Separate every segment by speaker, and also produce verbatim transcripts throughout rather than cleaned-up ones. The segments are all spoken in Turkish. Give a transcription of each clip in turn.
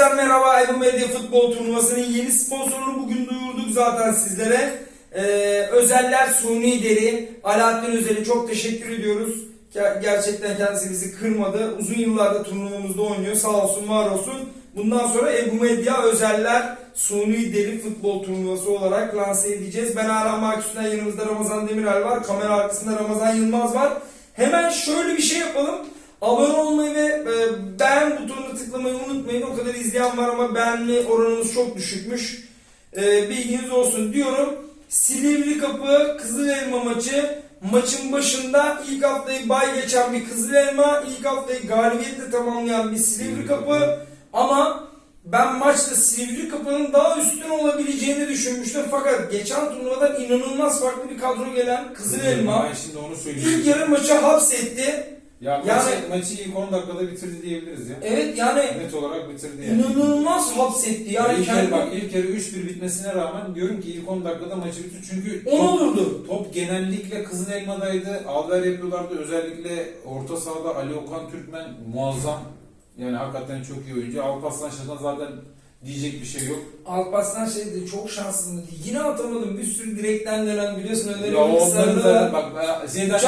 Speaker 1: Herkese merhaba. Ebu Medya Futbol Turnuvası'nın yeni sponsorunu bugün duyurduk zaten sizlere. Ee, Özeller Suni Deri. Alaaddin Özel'e çok teşekkür ediyoruz. Gerçekten kendisi bizi kırmadı. Uzun yıllarda turnuvamızda oynuyor. Sağ olsun, var olsun. Bundan sonra Ebu Medya Özeller Suni Deri Futbol Turnuvası olarak lanse edeceğiz. Ben Aram Maküs'ten, yanımızda Ramazan Demiral var. Kamera arkasında Ramazan Yılmaz var. Hemen şöyle bir şey yapalım. Abone olmayı ve e, beğen butonuna tıklamayı unutmayın. O kadar izleyen var ama beğenme oranımız çok düşükmüş. E, bilginiz olsun diyorum. Silivri Kapı Kızılelma maçı. Maçın başında ilk haftayı bay geçen bir Kızılelma, ilk haftayı galibiyetle tamamlayan bir Silivri Kapı. Ama ben maçta Silivri Kapı'nın daha üstün olabileceğini düşünmüştüm. Fakat geçen turnuvadan inanılmaz farklı bir kadro gelen Kızılelma
Speaker 2: Ben şimdi onu söyleyeyim.
Speaker 1: ilk yarı maçı hapsetti.
Speaker 2: Ya
Speaker 1: yani,
Speaker 2: maçı, maçı ilk on dakikada bitirdi diyebiliriz ya.
Speaker 1: Evet yani
Speaker 2: net olarak bitirdi yani.
Speaker 1: İnanılmaz hapsetti. Yani
Speaker 2: ya ilk
Speaker 1: kendi...
Speaker 2: yarı bak ilk yarı üç bir bitmesine rağmen diyorum ki ilk on dakikada maçı bitir. Çünkü
Speaker 1: on
Speaker 2: top,
Speaker 1: olurdu.
Speaker 2: top genellikle Kızılelma'daydı. Alver yapıyorlardı. Özellikle orta sahada Ali Okan Türkmen muazzam. Yani hakikaten çok iyi oyuncu. Alparslan Şaşan zaten diyecek bir şey yok.
Speaker 1: Alparslan şeydi, çok şanslıydı. Yine atamadım. Bir sürü direkten dönen, biliyorsun öyle
Speaker 2: ya
Speaker 1: bir sarıda.
Speaker 2: Bak şeyden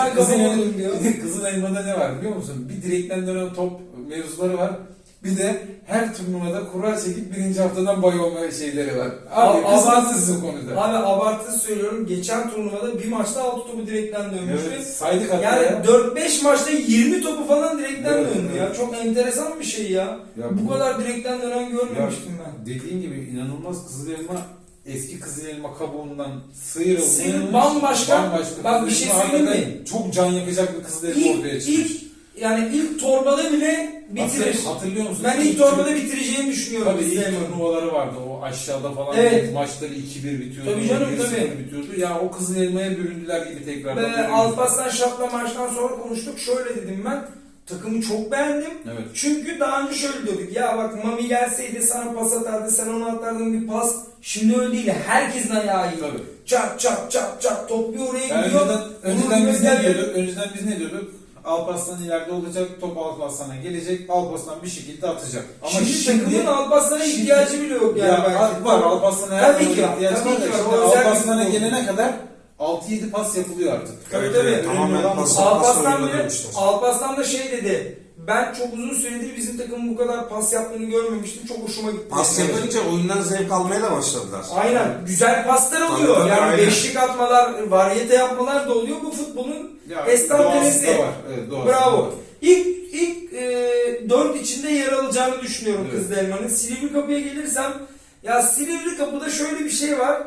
Speaker 2: Kızılelma'da ne var biliyor musun? Bir direkten dönen top mevzuları var. Bir de her turnuvada kura çekip birinci haftadan bay olma şeyleri var. Abi kısmatsızsın konuda.
Speaker 1: Abi abartı söylüyorum. Geçen turnuvada bir maçta altı topu direkten dönmüştü.
Speaker 2: Evet, saydık hatta
Speaker 1: yani
Speaker 2: ya.
Speaker 1: dört beş maçta yirmi topu falan direkten
Speaker 2: evet,
Speaker 1: döndü
Speaker 2: evet.
Speaker 1: ya. Çok enteresan bir şey ya. ya bu, bu kadar direkten dönen görmemiştim
Speaker 2: ya,
Speaker 1: ben.
Speaker 2: Dediğin gibi inanılmaz. Kızılelma eski Kızılelma kabuğundan sıyrılmış.
Speaker 1: Sıyrıl, bambaşka.
Speaker 2: bambaşka.
Speaker 1: Bak bir şey söyleyeyim mi?
Speaker 2: Çok can yakacak bir Kızılelma
Speaker 1: İlk,
Speaker 2: ortaya çıkmış.
Speaker 1: ilk, yani ilk torbada bile bitirir.
Speaker 2: Hatırlıyor musun?
Speaker 1: Ben ilk torbada bitireceğini düşünüyorum.
Speaker 2: Tabii ilk turnuvaları vardı. O aşağıda falan
Speaker 1: evet.
Speaker 2: maçları iki bir bitiyordu.
Speaker 1: Tabii canım tabii.
Speaker 2: Bitiyordu. Ya o Kızılelma'ya büründüler gibi tekrar.
Speaker 1: Ve Alparslan Şap'la maçtan sonra konuştuk. Şöyle dedim ben. Takımı çok beğendim.
Speaker 2: Evet.
Speaker 1: Çünkü daha önce şöyle diyorduk. Ya bak Mami gelseydi sana pas atardı. Sen ona atardın bir pas. Şimdi öyle değil. Herkesin ayağı iyi.
Speaker 2: Tabii.
Speaker 1: Çat çat çat çat. Top bir oraya
Speaker 2: yani
Speaker 1: gidiyor.
Speaker 2: Önceden, önceden biz ne diyorduk? Önceden biz ne diyorduk? Alparslan ileride olacak, top Alparslan'a gelecek, Alparslan bir şekilde atacak.
Speaker 1: Ama şimdi, şimdi takımın Alparslan'a ihtiyacı bile yok yani.
Speaker 2: Ya belki. Var, Alparslan'a her
Speaker 1: türlü
Speaker 2: ihtiyacı var. Alparslan'a gelene kadar altı yedi pas yapılıyor artık.
Speaker 1: Tabii tabii.
Speaker 3: Evet, tamamen pas
Speaker 1: Alparslan bile, Alparslan da şey dedi. Ben çok uzun süredir bizim takımın bu kadar pas yaptığını görmemiştim. Çok hoşuma gitti.
Speaker 3: Pas yapınca oyundan zevk almaya da başladılar.
Speaker 1: Aynen. Güzel paslar oluyor. Tabii, tabii, yani aynen. Beşlik atmalar, varyete yapmalar da oluyor. Bu futbolun estantenesi.
Speaker 2: Evet,
Speaker 1: bravo. İlk ilk e, dört içinde yer alacağını düşünüyorum evet. Kızılelma'nın. Silivri Kapı'ya gelirsem, ya Silivri Kapı'da şöyle bir şey var.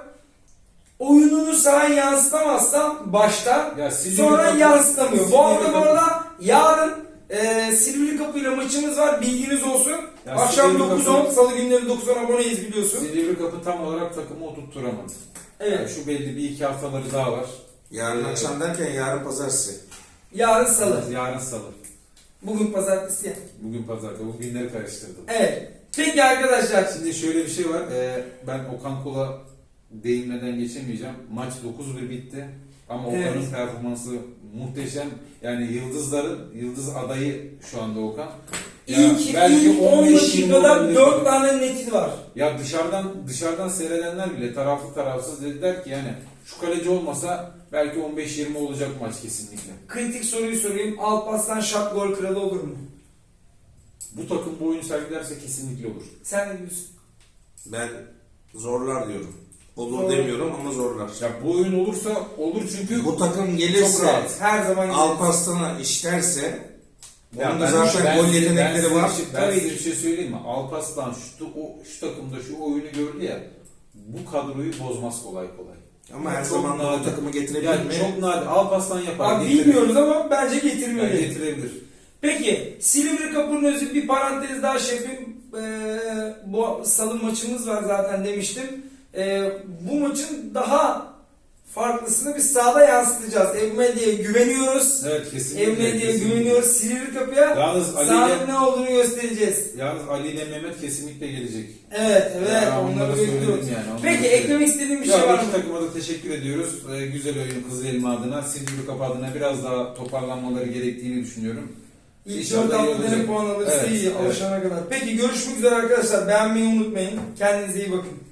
Speaker 1: Oyununu sahaya yansıtamazsan başta, ya, sonra Kapı, yansıtamıyor. Silivri bu arada bu arada yarın e, Silivri Kapı ile maçımız var. Bilginiz olsun. Ya akşam dokuz on, salı günleri dokuz on aboneyiz biliyorsun.
Speaker 2: Silivri Kapı tam olarak takımı oturtturamadı.
Speaker 1: Evet.
Speaker 2: Yani şu belli bir iki haftaları daha var.
Speaker 3: Yarın ee, akşam derken yarın pazartesi.
Speaker 1: Yarın salı.
Speaker 2: Yarın salı.
Speaker 1: Bugün pazartesi ya.
Speaker 2: Bugün pazartesi. Bu günleri karıştırdım.
Speaker 1: Evet. Peki arkadaşlar.
Speaker 2: Şimdi şöyle bir şey var. Ee, ben Okan Kul'a değinmeden geçemeyeceğim. Maç dokuz bir bitti. Ama Okan'ın evet. performansı muhteşem. Yani yıldızların, yıldız adayı şu anda Okan.
Speaker 1: İlk, ya ilk on dakikada dört tane neti var.
Speaker 2: Ya dışarıdan dışarıdan seyredenler bile taraflı tarafsız dediler ki yani şu kaleci olmasa belki on beş yirmi olacak maç kesinlikle.
Speaker 1: Kritik soruyu sorayım. Alparslan Şap gol kralı olur mu?
Speaker 2: Bu takım bu oyunu sergilerse kesinlikle olur.
Speaker 1: Sen ne diyorsun?
Speaker 3: Ben zorlar diyorum. Olur Zor. demiyorum ama zorlar.
Speaker 2: Ya bu oyun olursa olur çünkü
Speaker 3: bu takım gelirse
Speaker 1: her zaman
Speaker 3: Alparslan'a işlerse
Speaker 2: ya
Speaker 3: onun da zaten gol yetenekleri
Speaker 2: ben
Speaker 3: var.
Speaker 2: Şey, ben size bir şey söyleyeyim mi? Alparslan şu, o, şu takımda şu oyunu gördü ya, bu kadroyu bozmaz kolay kolay.
Speaker 3: Ama her zaman o takımı getirebilir
Speaker 2: yani
Speaker 3: mi?
Speaker 2: Çok nadir. Alparslan yapar.
Speaker 1: Abi bilmiyoruz ama bence getirmeli.
Speaker 2: Yani getirebilir.
Speaker 1: Peki Silivri Kapı'nın özü bir parantez daha şey yapayım. Ee, bu salı maçımız var zaten demiştim. Ee, bu maçın daha farklısını biz sahada yansıtacağız. Ebu Medya'ya güveniyoruz.
Speaker 2: Evet kesinlikle.
Speaker 1: Ebu Medya'ya güveniyoruz. Silivri Kapı'ya sahanın ne olduğunu göstereceğiz.
Speaker 2: Yalnız Ali ile Mehmet kesinlikle gelecek.
Speaker 1: Evet evet
Speaker 2: ya,
Speaker 1: onları bekliyoruz.
Speaker 2: Yani,
Speaker 1: peki eklemek istediğim bir şey var mı?
Speaker 2: İki takıma da teşekkür ediyoruz. Ee, güzel oyun Kızılelma adına, Silivri Kapı adına biraz daha toparlanmaları gerektiğini düşünüyorum.
Speaker 1: İlk
Speaker 2: İnşallah
Speaker 1: dört
Speaker 2: iyi
Speaker 1: haftada
Speaker 2: olacak.
Speaker 1: ne puan alırsa
Speaker 2: Evet,
Speaker 1: iyi
Speaker 2: evet.
Speaker 1: alışana kadar. Peki görüşmek üzere arkadaşlar. Beğenmeyi unutmayın. Kendinize iyi bakın.